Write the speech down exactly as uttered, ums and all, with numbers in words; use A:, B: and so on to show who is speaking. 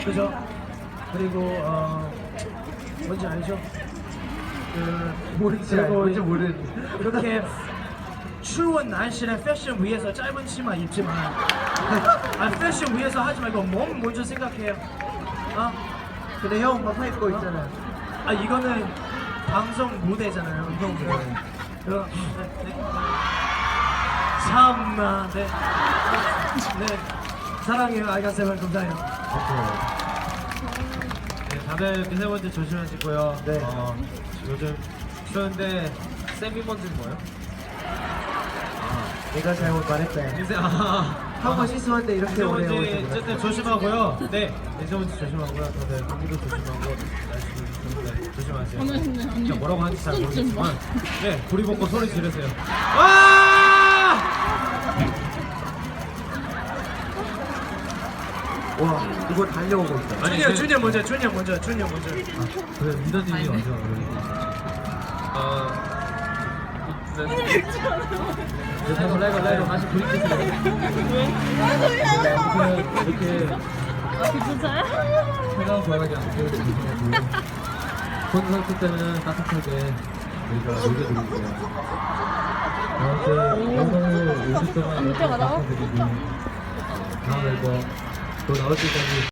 A: 그죠? 그리고 어 뭔지 알죠? 그
B: 뭔지 알- 뭔지 모르는데.
A: 이렇게 추운 날씨는 패션 위해서 짧은 치마 입지만 아 패션 위해서 하지 말고 몸 먼저 생각해요. 아
B: 근데 형 반팔 입고 있잖아요.
A: 아 이거는 방송 무대잖아요. 이거 무대. 이거 네, 네. 참나 네. 네 사랑해요 알가세발 감사해요.
C: 네, 다들 미세먼지 조심하시고요.
B: 네.
C: 어, 요즘 추운데 세미먼지는 뭐예요?
B: 내가 잘못 말했다.
C: 미세 아,
B: 한 번 실수한데 이렇게 오래
C: 미세먼지
B: 오래.
C: 어쨌든 조심하고요. 네, 미세먼지 조심하고요. 다들 감기도 조심하고 날씨도 조심- 조심하세요.
D: 아니, 아니, 아니.
C: 진짜 뭐라고 하는지 잘
D: 좀
C: 모르겠지만, 네, 고리 벗고 소리 지르세요. 와!
B: 와 이거 달려오고 있다.
C: 아니,
A: 준이야
C: 그-
A: 준이야 먼저 준이야 먼저 준이야 먼저.
C: 그래, 리더님이 먼저 어, 네. 네, 다시 라이브 라이브 다시 브리켓을 이렇게
D: 아, 진짜요?
C: 차가운 바람이 안 들고 조심하고 콘서트 때는 따뜻하게 우리가 녹여드릴게요. 아무튼 오늘 오십 동안
D: 진짜 많아?
C: 감사드리고 다음 앨범 또 나올 때까지